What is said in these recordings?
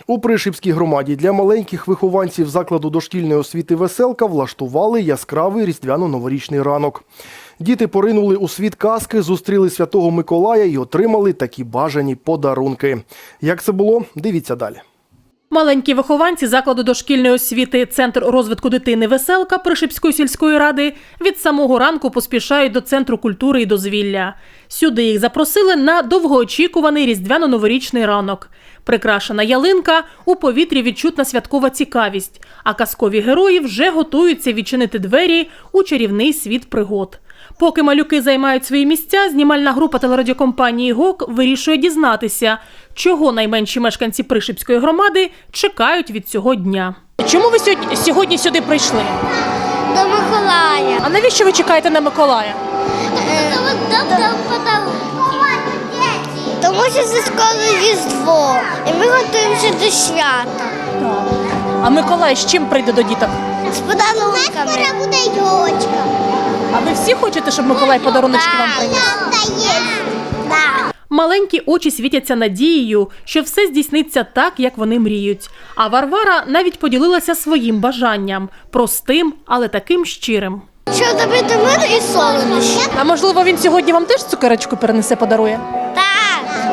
У Пришипській громаді для маленьких вихованців закладу дошкільної освіти «Веселка» влаштували яскравий різдвяно-новорічний ранок. Діти поринули у світ казки, зустріли Святого Миколая і отримали такі бажані подарунки. Як це було? Дивіться далі. Маленькі вихованці закладу дошкільної освіти «Центр розвитку дитини «Веселка» Пришипської сільської ради від самого ранку поспішають до Центру культури і дозвілля. Сюди їх запросили на довгоочікуваний різдвяно-новорічний ранок. Прикрашена ялинка, у повітрі відчутна святкова цікавість, а казкові герої вже готуються відчинити двері у чарівний світ пригод. Поки малюки займають свої місця, знімальна група телерадіокомпанії «ГОК» вирішує дізнатися, чого найменші мешканці Пришипської громади чекають від цього дня. Чому ви сьогодні сюди прийшли? До Миколая. А навіщо ви чекаєте на Миколая? Тому що це скоро Різдво, і ми готуємося до свята. А Миколай з чим прийде до діток? З подарунками. У нас скоро буде йолочка. А ви всі хочете, щоб Миколай подаруночки вам приніс? Так. Маленькі очі світяться надією, що все здійсниться так, як вони мріють. А Варвара навіть поділилася своїм бажанням – простим, але таким щирим. Щоб добити мир і солодощі. А можливо, він сьогодні вам теж цукерочку перенесе, подарує? Так.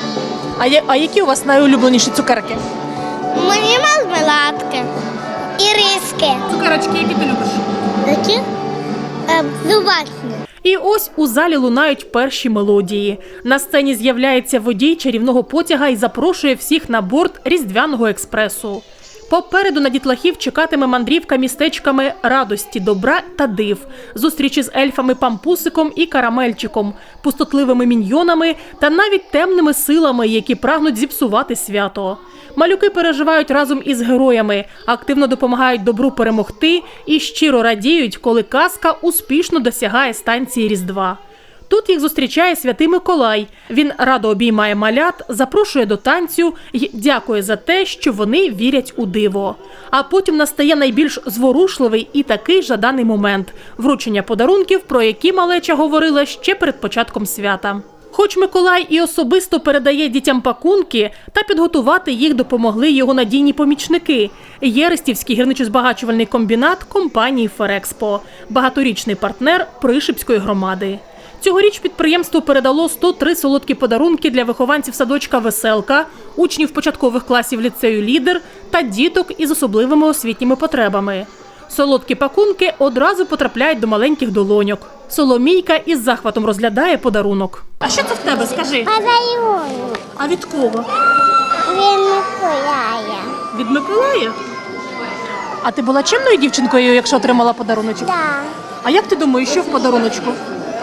А які у вас найулюбленіші цукерки? Мені мармеладки. І риски. Цукерочки, які ти любиш? Які? Зубачні. І ось у залі лунають перші мелодії. На сцені з'являється водій чарівного потяга і запрошує всіх на борт різдвяного експресу. Попереду на дітлахів чекатиме мандрівка містечками радості, добра та див, зустрічі з ельфами Пампусиком і Карамельчиком, пустотливими міньйонами та навіть темними силами, які прагнуть зіпсувати свято. Малюки переживають разом із героями, активно допомагають добру перемогти і щиро радіють, коли казка успішно досягає станції Різдва. Тут їх зустрічає Святий Миколай. Він радо обіймає малят, запрошує до танцю і дякує за те, що вони вірять у диво. А потім настає найбільш зворушливий і такий жаданий момент – вручення подарунків, про які малеча говорила ще перед початком свята. Хоч Миколай і особисто передає дітям пакунки, та підготувати їх допомогли його надійні помічники – Єристівський гірничо-збагачувальний комбінат компанії «Ферекспо», багаторічний партнер Пришипської громади. Цьогоріч підприємство передало 103 солодкі подарунки для вихованців садочка «Веселка», учнів початкових класів ліцею «Лідер» та діток із особливими освітніми потребами. Солодкі пакунки одразу потрапляють до маленьких долоньок. Соломійка із захватом розглядає подарунок. А що це в тебе, скажи? Подарунок. А від кого? Він Миколая. Від Миколая? А ти була чемною дівчинкою, якщо отримала подаруночок? Так. А як ти думаєш, що в подаруночку?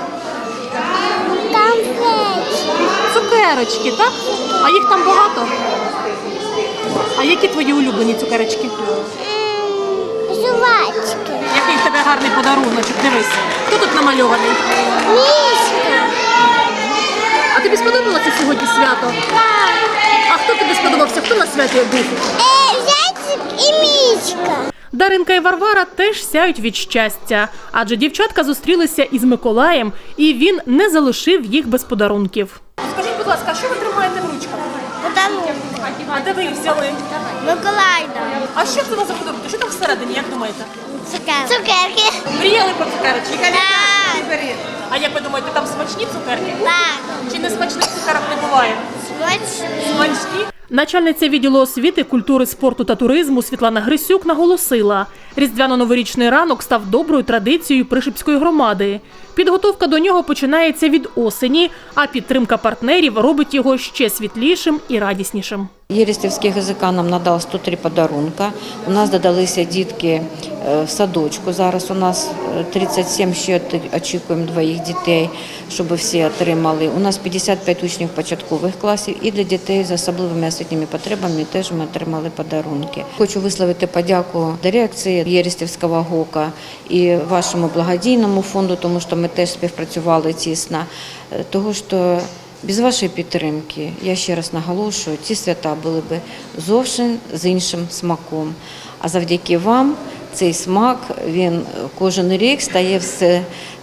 Цукерочки, так? А їх там багато? А які твої улюблені цукерочки? Жувачки. Який в тебе гарний подаруночок, дивись. Хто тут намальований? Мішка. А тобі сподобалося сьогодні свято? Так. А хто тобі сподобався? Хто на святі був? Зайчик і мішка. Даринка і Варвара теж сяють від щастя, адже дівчатка зустрілися із Миколаєм, і він не залишив їх без подарунків. Скажіть, будь ласка, що ви тримаєте в ручках? Подарунок. А де ви їх взяли? Миколай дав. А що це у вас за подарунки? Що там всередині, як думаєте? Цукерки. Мріяли про цукерочки? Так. А як ви думаєте, там смачні цукерки? Так. Чи не смачних цукерок не буває? Смачні? Начальниця відділу освіти, культури, спорту та туризму Світлана Грисюк наголосила, різдвяно-новорічний ранок став доброю традицією Пришипської громади. Підготовка до нього починається від осені, а підтримка партнерів робить його ще світлішим і радіснішим. Єристівський ГЗК нам надав 103 подарунка. У нас додалися дітки в садочку. Зараз у нас 37, ще очікуємо 2 дітей, щоб всі отримали. У нас 55 учнів початкових класів і для дітей з особливими освітніми потребами теж ми отримали подарунки. Хочу висловити подяку дирекції Єристівського ГОКа і вашому благодійному фонду, тому що ми теж співпрацювали тісно, тому що без вашої підтримки, я ще раз наголошую, ці свята були б зовсім з іншим смаком. А завдяки вам цей смак, він кожен рік стає все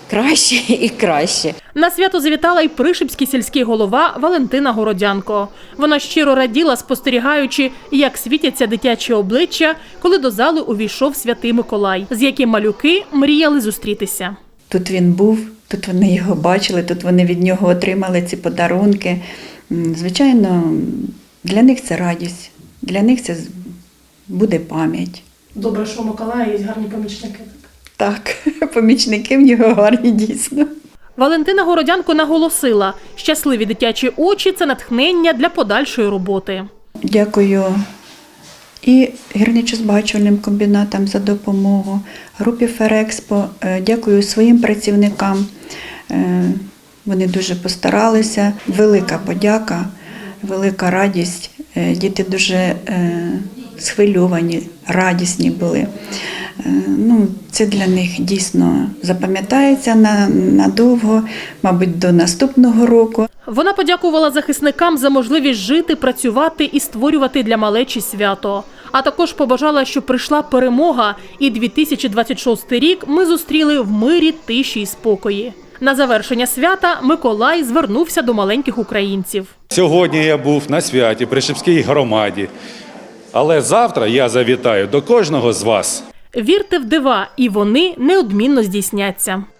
краще і краще. На свято завітала й Пришипський сільський голова Валентина Городянко. Вона щиро раділа, спостерігаючи, як світяться дитячі обличчя, коли до зали увійшов Святий Миколай, з яким малюки мріяли зустрітися. Тут він був, тут вони його бачили, тут вони від нього отримали ці подарунки. Звичайно, для них це радість, для них це буде пам'ять. Добре, що у Миколая є гарні помічники. Так, помічники в нього гарні дійсно. Валентина Городянко наголосила, щасливі дитячі очі – це натхнення для подальшої роботи. Дякую і гірничо-збагачувальним комбінатам за допомогу, групі Ферекспо, дякую своїм працівникам. Вони дуже постаралися. Велика подяка, велика радість. Діти дуже схвильовані, радісні були. Це для них дійсно запам'ятається надовго, мабуть, до наступного року. Вона подякувала захисникам за можливість жити, працювати і створювати для малечі свято. А також побажала, щоб прийшла перемога, і 2026 рік ми зустріли в мирі, тиші і спокої. На завершення свята Миколай звернувся до маленьких українців. Сьогодні я був на святі при Шипській громаді, але завтра я завітаю до кожного з вас. Вірте в дива, і вони неодмінно здійсняться.